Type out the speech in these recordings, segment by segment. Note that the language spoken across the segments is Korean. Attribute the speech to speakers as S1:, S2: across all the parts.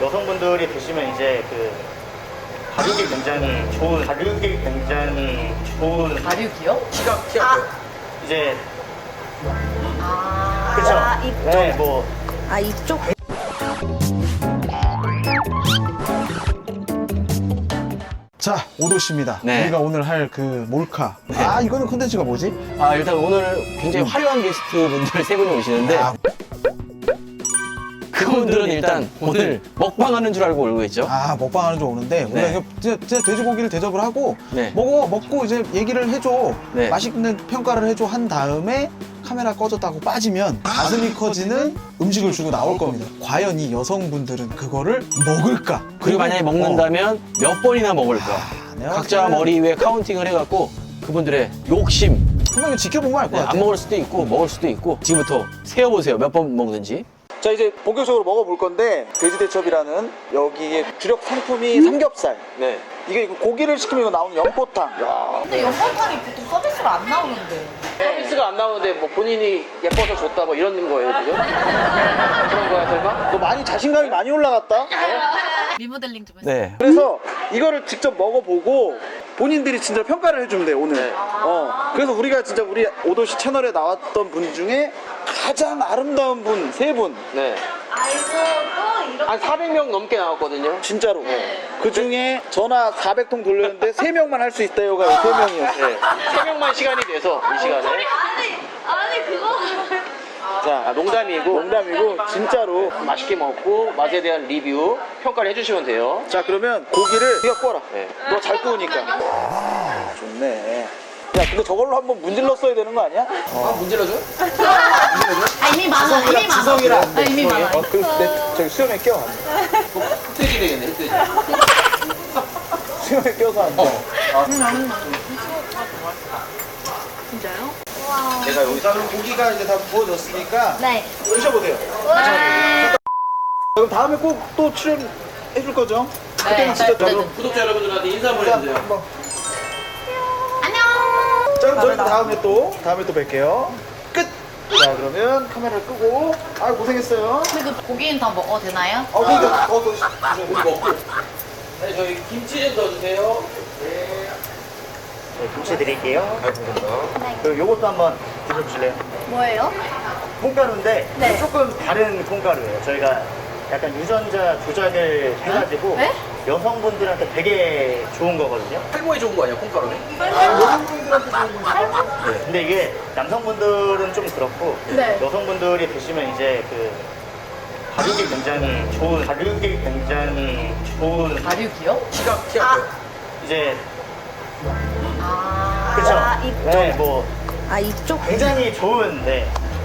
S1: 여성분들이 드시면 이제 그 가격이 굉장히 좋은
S2: 발육이요?
S3: 키가
S1: 이제
S2: 아,
S1: 그쵸?
S4: 이쪽?
S1: 네, 뭐
S4: 아, 이쪽?
S5: 자, 오도씨입니다.
S3: 네.
S5: 우리가 오늘 할 그 몰카. 아, 이거는 콘텐츠가 뭐지?
S3: 아, 일단 오늘 굉장히 화려한 게스트 분들 세 분이 오시는데
S5: 아,
S3: 그분들은 일단 오늘 먹방하는 줄 알고 오고 있죠.
S5: 먹방하는 줄 오는데 우리가
S3: 네.
S5: 이거 진짜 돼지고기를 대접을 하고
S3: 네.
S5: 먹고 이제 얘기를 해줘.
S3: 네.
S5: 맛있는 평가를 해줘 한 다음에 카메라 꺼졌다고 빠지면 가슴이 커지는 음식을 주고 나올 겁니다. 과연 이 여성분들은 그거를 먹을까?
S3: 그리고 만약에 먹는다면 몇 번이나 먹을까?
S5: 내가
S3: 각자
S5: 봤을 때는
S3: 머리 위에 카운팅을 해갖고 그분들의 욕심,
S5: 분명히 지켜보면 알 것
S3: 네,
S5: 같아.
S3: 안 먹을 수도 있고 먹을 수도 있고 지금부터 세어보세요. 몇 번 먹는지.
S5: 자, 이제 본격적으로 먹어볼 건데 돼지대첩이라는 여기에 주력 상품이 삼겹살.
S3: 네.
S5: 이게 고기를 시키면 이거 나오는 연포탕.
S2: 근데 연포탕이 보통 서비스로 안 나오는데.
S3: 서비스가 안 나오는데 뭐 본인이 예뻐서 줬다 뭐 이런 거예요 지금? 그런 거야 설마?
S5: 너 많이 자신감이 많이 올라갔다?
S2: 리모델링 좀 했어요.
S3: 네.
S5: 그래서 이거를 직접 먹어보고 본인들이 진짜 평가를 해주면 돼 오늘.
S3: 네.
S5: 그래서 우리가 진짜 우리 오도시 채널에 나왔던 분 중에 가장 아름다운 분 세 분.
S3: 네.
S4: 아이고, 또 이렇게.
S3: 한 400명 넘게 나왔거든요.
S5: 진짜로. 그 중에 전화 400통 돌렸는데 3명만 할 수 있다요가 3명이었어.
S3: 네. 3명만 시간이 돼서 이 시간에.
S4: 아니, 그거.
S3: 자, 농담이고
S5: 진짜로.
S3: 맛있게 먹고 맛에 대한 리뷰 평가를 해주시면 돼요.
S5: 자, 그러면 고기를 네가 구워라.
S3: 네.
S5: 너 잘 구우니까. 아, 좋네. 야, 근데 저걸로 한번 문질렀어야 되는 거 아니야?
S3: 아, 문질러줘?
S2: 아, 이미 많아, 이미 많아.
S5: 지성이랑.
S2: 아, 이미 많아.
S5: 그럼 저기 수염에 껴.
S3: 흑돼지 되겠네, 흑돼지.
S5: 수염에 껴서 안 돼.
S4: 진짜요?
S5: 제가 여기서 그럼 고기가 이제 다 구워졌으니까
S4: 네.
S5: 드셔보세요.
S4: 와.
S5: 그럼 다음에 꼭 또 출연해줄 거죠? 그때는 진짜 저로
S3: 구독자 여러분들한테 인사 한번 해주세요.
S5: 한번.
S4: 안녕.
S5: 자, 그럼 저희 다음에 또 뵐게요. 끝! 자, 그러면 카메라를 끄고. 아유, 고생했어요.
S2: 근데 그 고기는 다 먹어도 되나요?
S5: 그러니까 더
S3: 우리 먹고. 네, 저희 김치 좀 넣어주세요.
S1: 네, 김치 드릴게요. 그리고 요것도 한번 드셔보실래요?
S4: 뭐예요?
S1: 콩가루인데
S4: 네.
S1: 조금 다른 콩가루예요. 저희가 약간 유전자 조작을 해가지고
S2: 네?
S1: 여성분들한테 되게 좋은 거거든요.
S3: 탈모에 좋은 거 아니야, 콩가루는?
S1: 근데 이게 남성분들은 좀 그렇고
S4: 네.
S1: 여성분들이 드시면 이제 그 가격이 굉장히 좋은
S2: 발육이요?
S3: 키가
S1: 이제
S2: 아,
S1: 그쵸?
S4: 아, 이쪽?
S1: 네, 뭐
S4: 아, 이쪽?
S1: 굉장히 좋은 네.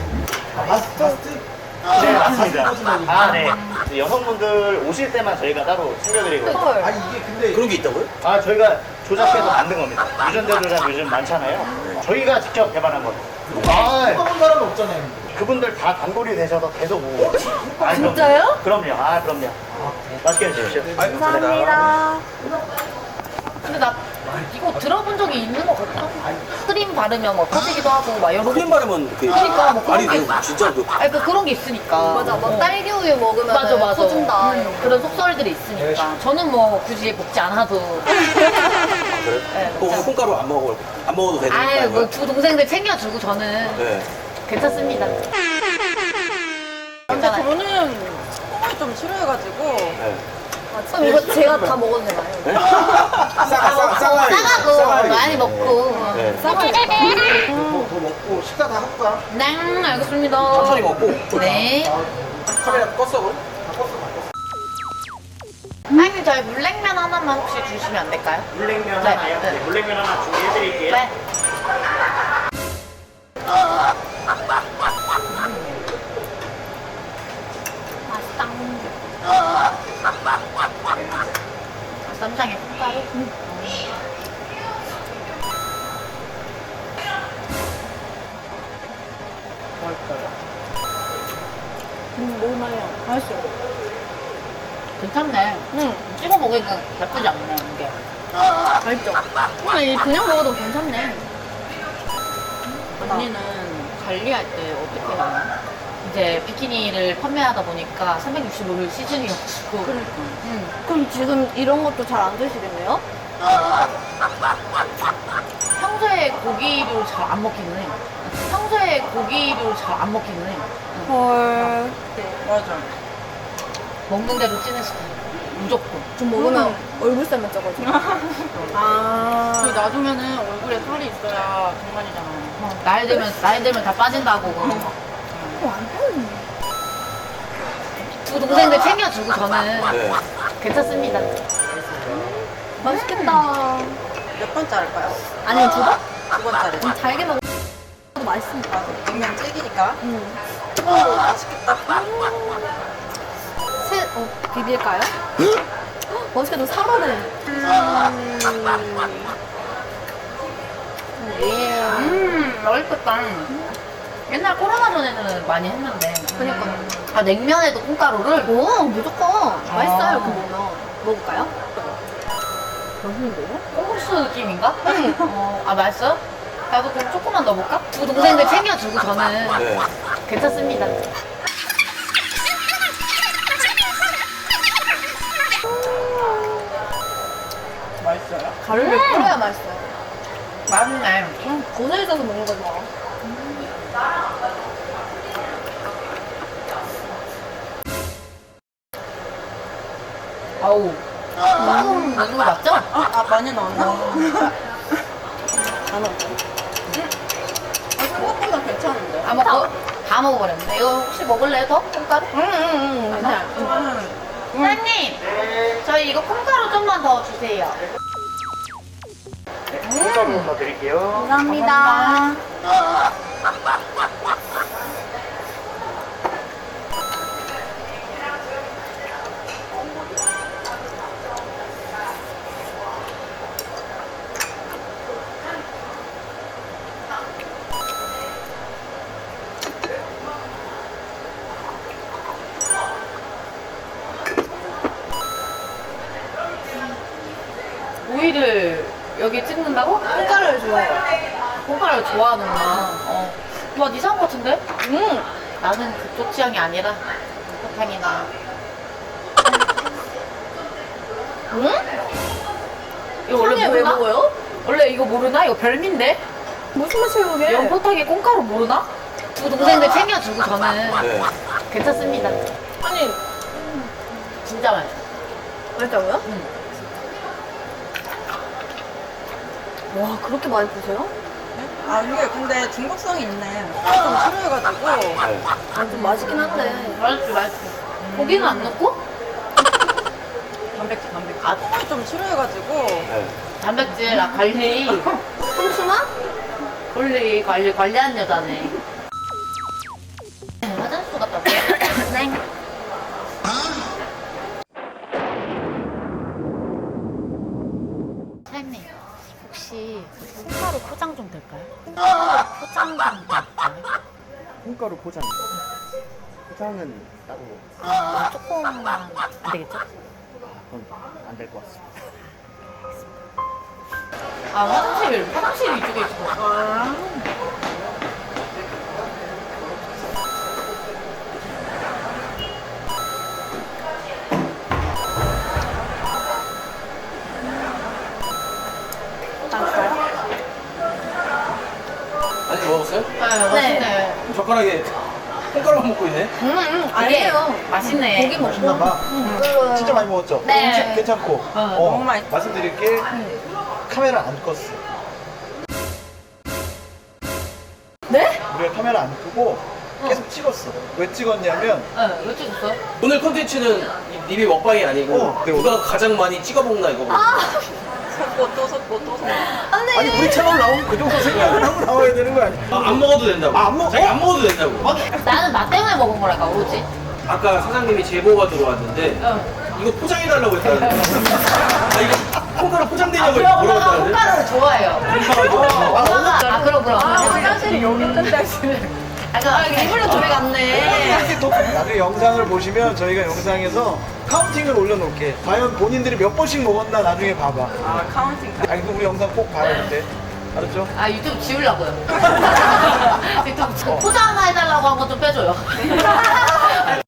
S1: 네, 맞습니다. 아, 네. 여성분들 오실 때만 저희가 따로 챙겨드리고.
S2: 헐.
S3: 그런 게 있다고요?
S1: 아, 저희가 조작해서 만든 겁니다. 유전자 조작 요즘 많잖아요. 저희가 직접 개발한 거예요.
S5: 먹은 사람은 없잖아요.
S1: 그분들 다 단골이 되셔서 계속 오고. 아,
S4: 진짜요?
S1: 그럼요. 아, 그럼요. 맛있게 드십시오.
S4: 감사합니다.
S2: 근데 나 이거 들어본 적이 있는 것 같아. 크림 바르면 뭐 터지기도 하고 막 여러
S3: 크림 바르면
S2: 그러니까 뭐 그런
S3: 말이
S2: 게
S3: 돼요. 진짜
S2: 아니 그런 게 있으니까.
S4: 맞아, 뭐 딸기 우유 먹으면
S2: 맞아.
S4: 터진다.
S2: 그런 속설들이 있으니까. 저는 뭐 굳이 먹지 않아도. 네,
S3: 또 오늘 콩가루 안 먹어도 되는
S2: 아유
S3: 거예요?
S2: 뭐 두 동생들 챙겨주고 저는
S3: 네.
S2: 괜찮습니다.
S6: 근데 저는 콩을 좀 싫어해가지고
S3: 네.
S4: 그럼 이거 제가 다 먹어도 되나요?
S2: 싸가고 많이 먹고.
S3: 네.
S5: 더 먹고 식사 다 하고 가.
S2: 네, 알겠습니다.
S3: 천천히 먹고.
S2: 네.
S3: 카메라 껐어 그럼?
S2: 사장님 저희 물냉면 하나만 혹시 주시면 안 될까요?
S1: 물냉면
S2: 네,
S1: 하나요?
S2: 네.
S1: 네, 물냉면 하나 준비해드릴게요.
S2: 네.
S4: 맛있다.
S2: 쌈장에 콩가루.
S4: 너무 맛있어. 맛있어요.
S2: 괜찮네. 찍어 먹으니까 나쁘지 않네 이게.
S4: 맛있죠? 근데 그냥 먹어도 괜찮네.
S2: 언니는 관리할 때 어떻게 하나? 이제 비키니를 판매하다 보니까 365일 시즌이어가지고.
S4: 그럼 지금 이런 것도 잘 안 드시겠네요?
S2: 평소에 고기를 잘 안 먹기는 해. 평소에 고기를 잘 안 먹기는 해.
S4: 헐.
S6: 맞아.
S2: 먹는 대로 찌는 스타일. 무조건.
S4: 좀 먹으면 얼굴살만 쪄가지고. 아.
S6: 그 놔두면은 얼굴에 살이 있어야 정말이잖아.
S2: 나이 들면 다 빠진다고.
S4: 완전.
S2: 두 동생들 챙겨주고 저는
S3: 네.
S2: 괜찮습니다.
S4: 맛있겠다.
S6: 몇 번째 할까요?
S4: 아니면 두 번?
S6: 두 번째를.
S4: 잘게 먹어도 맛있으니까.
S6: 냉면 찔기니까.
S4: 맛있겠다. 비빌까요? 맛있겠다. 살아네.
S2: 맛있겠다. 옛날 코로나 전에는 많이 했는데.
S4: 그러니까요.
S2: 아, 냉면에도 콩가루를?
S4: 오, 무조건. 맛있어요, 그 먹으면. 먹을까요? 맛있는데요?
S2: 콩국수 느낌인가? 아, 맛있어요? 나도 그럼 조금만 넣어볼까? 두 동생들 챙겨주고 저는
S3: 네.
S2: 괜찮습니다.
S6: 맛있어요.
S4: 가루를 뿌려야 맛있어요.
S2: 맛있네.
S4: 고생있어서 먹는 거지 뭐.
S2: 아우. 넣는 거 맞죠?
S6: 많이 넣었나?
S4: 안 먹어.
S6: 생각보다 괜찮은데.
S2: 다 먹어버렸네. 이거 혹시 먹을래요, 더? 콩가루?
S6: 괜찮아.
S2: 사장님, 저희 이거 콩가루 좀만 더 주세요.
S1: 콩가루 더 드릴게요.
S4: 감사합니다.
S2: 오이를 여기 찍는다고?
S4: 콩가루를 좋아해요.
S2: 콩가루를 좋아하는구나. 와, 이상한 것 같은데? 나는 그쪽 취향이 아니라 사탕이나. 이거 원래
S4: 왜
S2: 모르나?
S4: 먹어요?
S2: 원래 이거 모르나? 이거 별미인데?
S4: 무슨 맛이에요, 그게?
S2: 연포탕에 콩가루 모르나? 두 동생들 챙겨주고 저는
S3: 네.
S2: 괜찮습니다.
S4: 아니,
S2: 진짜 맛있어.
S4: 맛있다고요?
S2: 응.
S4: 와, 그렇게 많이 드세요?
S6: 아, 이게 근데 중독성이 있네. 좀 싫어해가지고.
S3: 네.
S4: 아, 좀 맛있긴 한데.
S2: 맛있어. 고기는 안 넣고?
S6: 단백질.
S2: 아,
S6: 좀 싫어해가지고.
S3: 네.
S2: 단백질, 관리.
S4: 홍수나?
S2: 관리하는 여자네. 화장실 갔다 올게요. 네. 사장님, 혹시 콩가루 포장 좀 될까요? 콩가루 포장 좀 될까요?
S1: 콩가루 포장. 포장은 따로
S2: 조금만 안 되겠죠?
S1: 그건 안 될 것 같습니다.
S2: 아, 화장실 이쪽에 있어.
S3: 아니 먹었어요?
S2: 네, 맛있네.
S3: 젓가락에 콩가루만 먹고 있네.
S4: 아니에요.
S2: 맛있네.
S4: 고기 먹고.
S1: 맛있나 봐. 진짜 많이 먹었죠?
S2: 네.
S1: 음식 괜찮고.
S6: 너무 맛있어.
S1: 말씀드릴게. 카메라 안 껐어.
S4: 네?
S1: 우리가 카메라 안 끄고 계속 찍었어. 왜 찍었냐면
S2: 네, 왜 찍었어요?
S3: 오늘 컨텐츠는 리뷰 먹방이 아니고
S1: 네,
S3: 누가 가장 많이 찍어 먹나 이거.
S6: 섞고 또 섞고 또 섞고.
S1: 아니 우리 채널 나오면 그 정도 생각을 하고 나와야 되는 거 아니야?
S3: 안 먹어도 된다고.
S1: 안 먹어?
S3: 자기 안 먹어도 된다고.
S2: 나는 나 때문에 먹은 거랄까, 오로지.
S3: 아까 사장님이 제보가 들어왔는데 이거 포장해달라고 했다는데. 아 이거 콩가루 포장되냐고
S2: 엄마가
S3: 물어봤다는데.
S2: 콩가루를 좋아해요. 엄마가, 그럼.
S6: 화장실이 여기 있는데 하시네.
S2: 일부러 둘이 갔네.
S1: 이렇게 또 나중에 영상을 보시면 저희가 영상에서 카운팅을 올려놓을게. 과연 본인들이 몇 번씩 먹었나 나중에 봐봐.
S6: 아, 카운팅.
S1: 아니 그 우리 영상 꼭 봐야 돼.
S5: 알았죠?
S2: 아 유튜브 지우려고요. 유튜브 포장 하나 해달라고 한 거 좀 빼줘요.